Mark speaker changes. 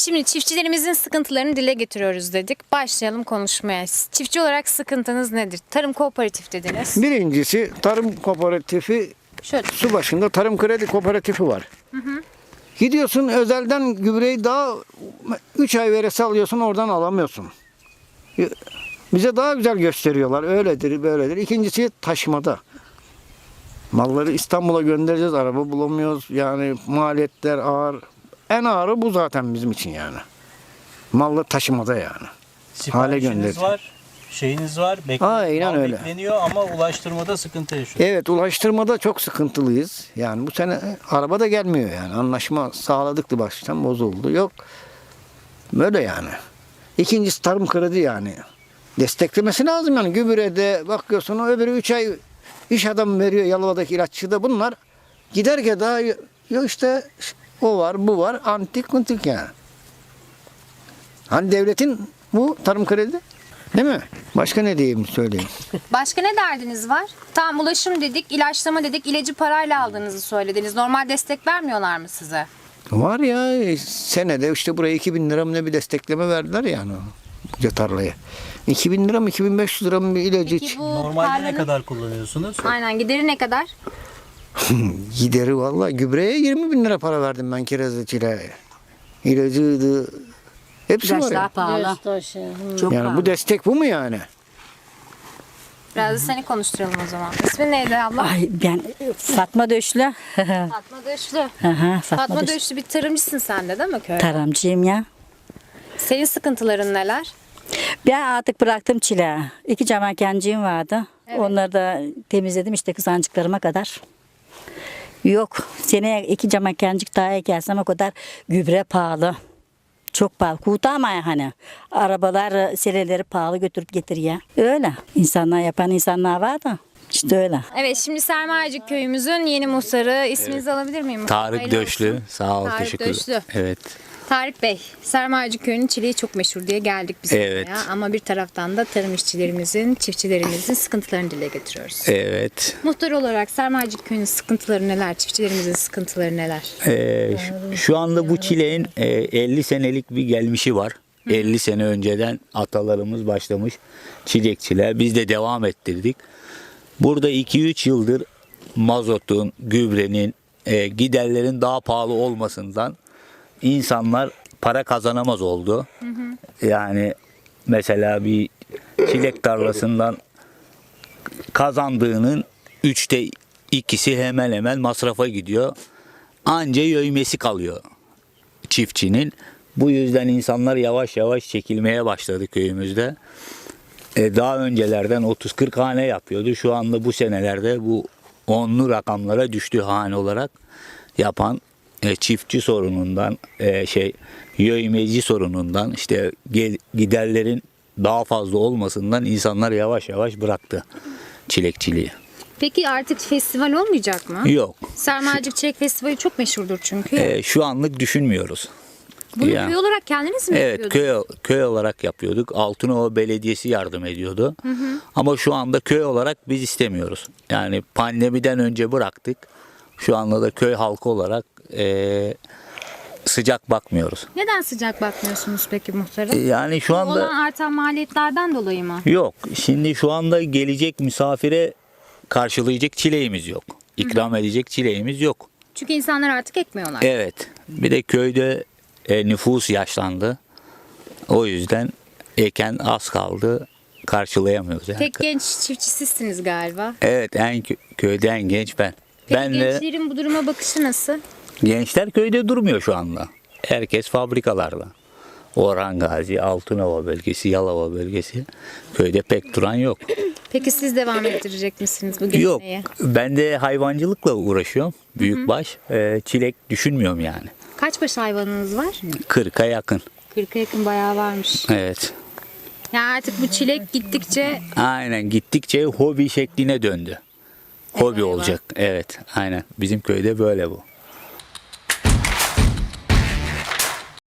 Speaker 1: Şimdi çiftçilerimizin sıkıntılarını dile getiriyoruz dedik. Başlayalım konuşmaya. Çiftçi olarak sıkıntınız nedir? Tarım kooperatif dediniz.
Speaker 2: Birincisi tarım kooperatifi,
Speaker 1: Şöyle.
Speaker 2: su başında tarım kredi kooperatifi var. Gidiyorsun özelden gübreyi daha 3 ay veresi alıyorsun, oradan alamıyorsun. Bize daha güzel gösteriyorlar. Öyledir, böyledir. İkincisi taşımada. Malları İstanbul'a göndereceğiz. Araba bulamıyoruz. Yani maliyetler ağır. En ağırı bu zaten bizim için yani. Mallı taşımada yani.
Speaker 3: Siparişiniz var, şeyiniz var,
Speaker 2: Aynen öyle.
Speaker 3: bekleniyor ama ulaştırmada sıkıntı yaşıyor.
Speaker 2: Evet, ulaştırmada çok sıkıntılıyız. Yani bu sene araba da gelmiyor yani. Anlaşma sağladıktı, baştan bozuldu. Yok. Böyle yani. İkincisi tarım kredi yani. Desteklemesi lazım yani. Gübrede bakıyorsun, o öbürü 3 ay iş adamı veriyor Yalova'daki ilaççıda. Bunlar giderken daha yok işte o var, bu var. Antik kuntik yani. Hani devletin bu tarım kredi, değil mi? Başka ne diyeyim, söyleyeyim.
Speaker 1: Başka ne derdiniz var? Tamam, ulaşım dedik, ilaçlama dedik, ilacı parayla aldığınızı söylediniz. Normal destek vermiyorlar mı size?
Speaker 2: Var ya, senede işte buraya 2.000 lira mı ne bir destekleme verdiler yani bu tarlaya. 2.000 lira mı 2.500 lira mı bir ilacı
Speaker 1: Peki
Speaker 2: için.
Speaker 1: bu
Speaker 3: Normalde ne
Speaker 1: tarlanın-
Speaker 3: kadar kullanıyorsunuz?
Speaker 1: Aynen, gideri ne kadar?
Speaker 2: Gideri vallahi gübreye 20.000 lira para verdim ben, kireççilere. İlacıydı. Hepsi var
Speaker 4: İlaçlar
Speaker 2: ya.
Speaker 4: pahalı. Çok
Speaker 2: Yani
Speaker 4: pahalı.
Speaker 2: bu destek bu mu yani?
Speaker 1: Biraz da seni konuşturalım o zaman. İsmin neydi abla?
Speaker 4: Ay ben Fatma Döşlü.
Speaker 1: Fatma Döşlü.
Speaker 4: Aha,
Speaker 1: Fatma Döşlü, bir tarımcısın sen de değil mi köyde?
Speaker 4: Tarımcıyım ya.
Speaker 1: Senin sıkıntıların neler?
Speaker 4: Ben artık bıraktım çileği. 2 camakenciğim vardı.
Speaker 1: Evet.
Speaker 4: Onları da temizledim işte kızancıklarıma kadar. Yok. Seneye 2 camakencik daha ekersem o kadar gübre pahalı. Çok pahalı. Kurtarmaya hani. Arabalar seleleri pahalı götürüp getiriyor. Öyle. İnsanlar yapan insanlar var da. İşte öyle.
Speaker 1: Evet, şimdi Sermayecik köyümüzün yeni muhtarı. İsminizi alabilir miyim?
Speaker 5: Tarık
Speaker 1: Hayırlı
Speaker 5: Döşlü.
Speaker 1: olsun.
Speaker 5: Sağ ol,
Speaker 1: Tarık
Speaker 5: teşekkür
Speaker 1: Döşlü.
Speaker 5: ederim. Evet.
Speaker 1: Tarık Bey, Sermayecik köyünün çileği çok meşhur diye geldik biz
Speaker 5: Evet.
Speaker 1: buraya. Ama bir taraftan da tarım işçilerimizin, çiftçilerimizin sıkıntılarını dile getiriyoruz.
Speaker 5: Evet.
Speaker 1: Muhtar olarak Sermayecik köyünün sıkıntıları neler? Çiftçilerimizin sıkıntıları neler?
Speaker 5: Şu anda bu çileğin 50 senelik bir gelmişi var. 50 sene önceden atalarımız başlamış çilekçiler. Biz de devam ettirdik. Burada 2-3 yıldır mazotun, gübrenin, giderlerin daha pahalı olmasından insanlar para kazanamaz oldu. Yani mesela bir çilek tarlasından kazandığının 3'te 2'si hemen hemen masrafa gidiyor. Anca yövmesi kalıyor çiftçinin. Bu yüzden insanlar yavaş yavaş çekilmeye başladı köyümüzde. Daha öncelerden 30-40 hane yapıyordu. Şu anda bu senelerde bu 10'lu rakamlara düştü hane olarak yapan çiftçi sorunundan, yövmeci sorunundan, işte giderlerin daha fazla olmasından insanlar yavaş yavaş bıraktı çilekçiliği.
Speaker 1: Peki artık festival olmayacak mı?
Speaker 5: Yok.
Speaker 1: Sermayecik Çilek Festivali çok meşhurdur çünkü.
Speaker 5: Şu anlık düşünmüyoruz.
Speaker 1: Bunu
Speaker 5: yani-
Speaker 1: köy olarak kendiniz mi
Speaker 5: Evet,
Speaker 1: yapıyordunuz?
Speaker 5: köy olarak yapıyorduk. Altınova Belediyesi yardım ediyordu. Ama şu anda köy olarak biz istemiyoruz. Yani pandemiden önce bıraktık. Şu anda da köy halkı olarak sıcak bakmıyoruz.
Speaker 1: Neden sıcak bakmıyorsunuz peki muhtarım?
Speaker 5: Yani şu anda
Speaker 1: Olan artan maliyetlerden dolayı mı?
Speaker 5: yok. Şimdi şu anda gelecek misafire karşılayacak çileğimiz yok. İkram edecek çileğimiz yok.
Speaker 1: Çünkü insanlar artık ekmiyorlar.
Speaker 5: Evet. Bir de köyde nüfus yaşlandı. O yüzden eken az kaldı. Karşılayamıyoruz yani.
Speaker 1: Tek genç çiftçi sizsiniz galiba.
Speaker 5: Evet, köyde en genç ben.
Speaker 1: Peki
Speaker 5: Ben de
Speaker 1: gençlerin bu duruma bakışı nasıl?
Speaker 5: gençler köyde durmuyor şu anda. Herkes fabrikalarda. Orhan Gazi, Altınova bölgesi, Yalova bölgesi. Köyde pek duran yok.
Speaker 1: Peki siz devam ettirecek misiniz bu
Speaker 5: Yok.
Speaker 1: geleneği?
Speaker 5: Ben de hayvancılıkla uğraşıyorum. Büyükbaş. Çilek düşünmüyorum yani.
Speaker 1: Kaç baş hayvanınız var?
Speaker 5: 40'a yakın.
Speaker 1: 40'a yakın bayağı varmış.
Speaker 5: Evet.
Speaker 1: Yani artık bu çilek gittikçe
Speaker 5: Aynen, gittikçe hobi şekline döndü. Hobi
Speaker 1: Eyvah.
Speaker 5: olacak. Evet, aynen. Bizim köyde böyle bu.